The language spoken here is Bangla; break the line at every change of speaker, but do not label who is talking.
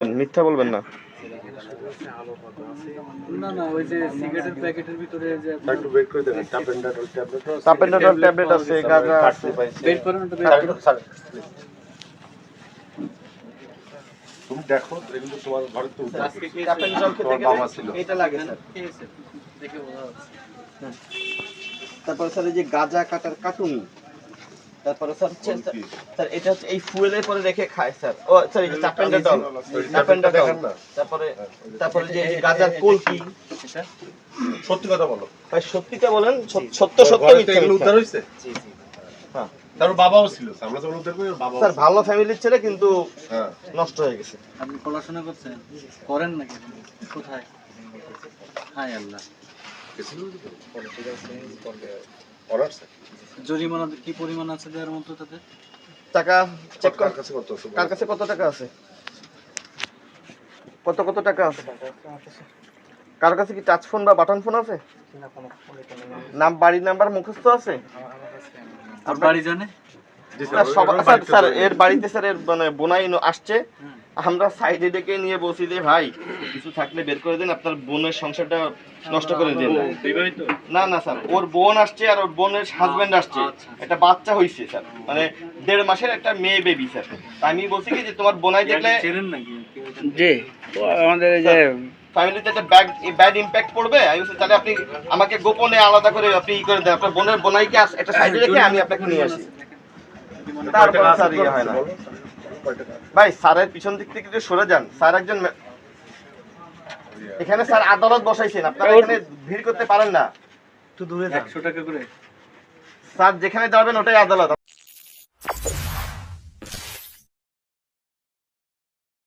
মিথ্যা বলবেন না।
না না ওই যে সিগারেটের প্যাকেটের ভিতরে যে
একটু বের করে দেবেন টাপেন্ডাটল ট্যাবলেট
টাপেন্ডাটল ট্যাবলেট আছে, গাঁজা আছে।
বের করেন ওটা বের করুন।
তুমি দেখো এগুলো তোমার ঘরে তো উঠে
আজকে কি
টাপেন্ডাটল খেতে
তোমার বাবা ছিল।
গেলে এটা লাগে স্যার।
খেয়েছে দেখে বোঝা যাচ্ছে।
তারপর স্যার এই যে গাঁজা কাটার কাটুনি, তারপরে স্যার হচ্ছে স্যার এটা হচ্ছে এই ফুয়েলের পরে রেখে খায় স্যার। ও স্যার এই যে টাপেন্ডাটল, তারপরে যে এই যে গাঁজার কলকি।
এটা
সত্যি কথা বলো,
ভাই সত্যিটা বলেন, সত্য সত্য
ঘরে তো
মিথ্যা
এগুলো উদ্ধার
মিথ্যা।
হয়েছে।
জি জি
হ্যাঁ
তার বাবাও ছিল, আমরা যখন উদ্ধার করি ওর বাবাও
স্যার
ছিল।
ভালো ফ্যামিলির ছেলে কিন্তু
হ্যাঁ
নষ্ট হয়ে গেছে।
আপনি পড়াশোনা করছেন করেন নাকি কোথায়? হায় আল্লাহ।
অনার্স
জরিমানা কি পরিমাণ আছে দেওয়ার মতো তাদের?
টাকা চেক কর,
কার কাছে কত আছে?
কার কাছে কত টাকা আছে, কত কত টাকা আছে? কার কাছে কি টাচ ফোন বা বাটন ফোন আছে? নাম বাড়ির নাম্বার মুখস্থ আছে?
আর বাড়ি জানে?
জি
স্যার
স্যার,
সব
ওর
স্যার
বাড়িতে
স্যার
তো-
এর বাড়িতে স্যার এর মানে বোনাই আসছে, আমরা সাইডে ডেকে নিয়ে বলছি যে ভাই কিছু থাকলে বের করে দেন, আপনার বোনের সংসারটা নষ্ট করে দেন।
বিবাহিত?
না না স্যার, ওর বোন আসছে আর ওর বোনের হাজবেন্ড আসছে,
আচ্ছা।
একটা বাচ্চা হইছে স্যার, মানে 1.5 মাসের একটা মেয়ে বেবি স্যার। তাই আমি বলছি কি যে তোমার বোনাই দেখলে
চেনেন নাকি?
জি, তো আমাদের এই যে
ফ্যামিলিতে একটা ব্যাড ইমপ্যাক্ট পড়বে। আমি বলছি তাহলে আপনি আমাকে গোপনে আলাদা করে আপনি ই করে দেন, আপনার বোনের বোনাইকে একটা সাইডে রেখে আমি আপনাকে নিয়ে আসি। তারপর স্যার ইয়ে হয় না ভাই, স্যারের পিছন দিক থেকে একটু সরে যান। স্যার একজন এখানে স্যার আদালত বসাইছেন, আপনারা এখানে ভিড় করতে পারেন না, একটু দূরে যান।
100 টাকা করে
স্যার যেখানে যাবেন ওটাই আদালত।